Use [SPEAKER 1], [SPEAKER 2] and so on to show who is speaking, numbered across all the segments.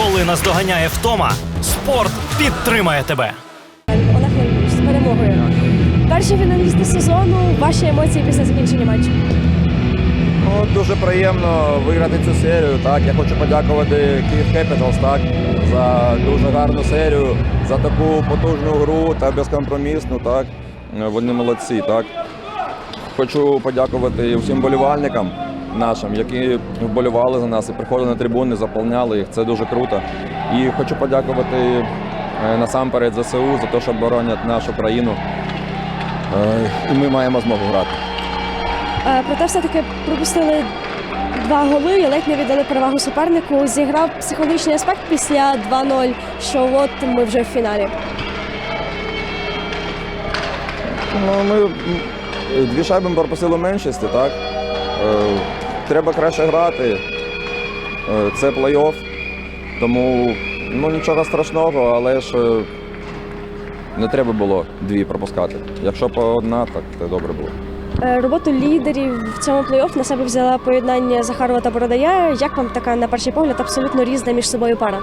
[SPEAKER 1] Коли наздоганяє втома, спорт підтримає тебе.
[SPEAKER 2] Олег Леонідович, з перемогою. Перші фіналісти сезону, ваші емоції після закінчення матчу?
[SPEAKER 3] Ну, дуже приємно виграти цю серію. Так, я хочу подякувати Київ Capitals, так, за дуже гарну серію, за таку потужну гру та безкомпромісну. Так. Вони молодці. Так. Хочу подякувати всім болівальникам нашим, які вболівали за нас і приходили на трибуни, заповняли їх. Це дуже круто. І хочу подякувати насамперед ЗСУ за те, що боронять нашу країну. І ми маємо змогу грати.
[SPEAKER 2] Проте все-таки пропустили 2 голи і ледь не віддали перевагу супернику. Зіграв психологічний аспект після 2-0, що от ми вже в фіналі.
[SPEAKER 3] Ну, ми 2 шайби пропустили в меншості, так? Треба краще грати. Це плей-офф, тому нічого страшного, але ж не треба було 2 пропускати. Якщо по 1, так це добре було.
[SPEAKER 2] Роботу лідерів в цьому плей-офф на себе взяла поєднання Захарова та Бородая. Як вам така, на перший погляд, абсолютно різна між собою пара?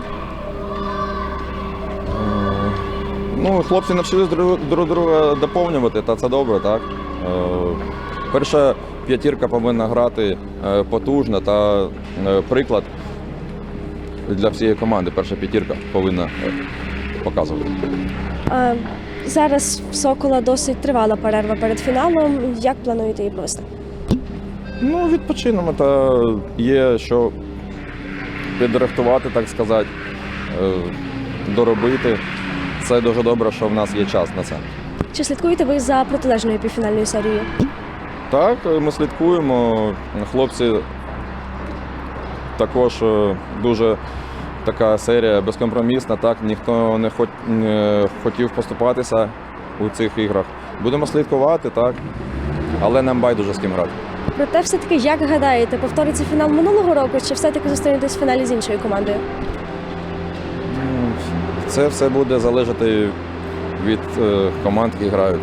[SPEAKER 3] Хлопці навчились друг друга доповнювати, та це добре, так? Перша п'ятірка повинна грати потужно та приклад для всієї команди. Перша п'ятірка повинна показувати.
[SPEAKER 2] Зараз в Сокола досить тривала перерва перед фіналом. Як плануєте її провести?
[SPEAKER 3] Відпочинемо, та є що підрихтувати, так сказати, доробити. Це дуже добре, що в нас є час на це.
[SPEAKER 2] Чи слідкуєте ви за протилежною півфінальною серією?
[SPEAKER 3] Так, ми слідкуємо. Хлопці також дуже така серія безкомпромісна, так, ніхто не хотів поступатися у цих іграх. Будемо слідкувати, так, але нам байдуже з ким грати.
[SPEAKER 2] Проте все-таки, як гадаєте, повториться фінал минулого року, чи все-таки зустрінетесь в фіналі з іншою командою?
[SPEAKER 3] Це все буде залежати від команд, які грають.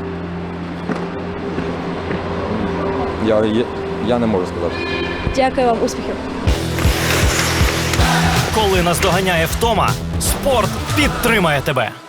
[SPEAKER 3] Я не можу сказати.
[SPEAKER 2] Дякую вам, успіхів!
[SPEAKER 1] Коли наздоганяє втома, спорт підтримає тебе.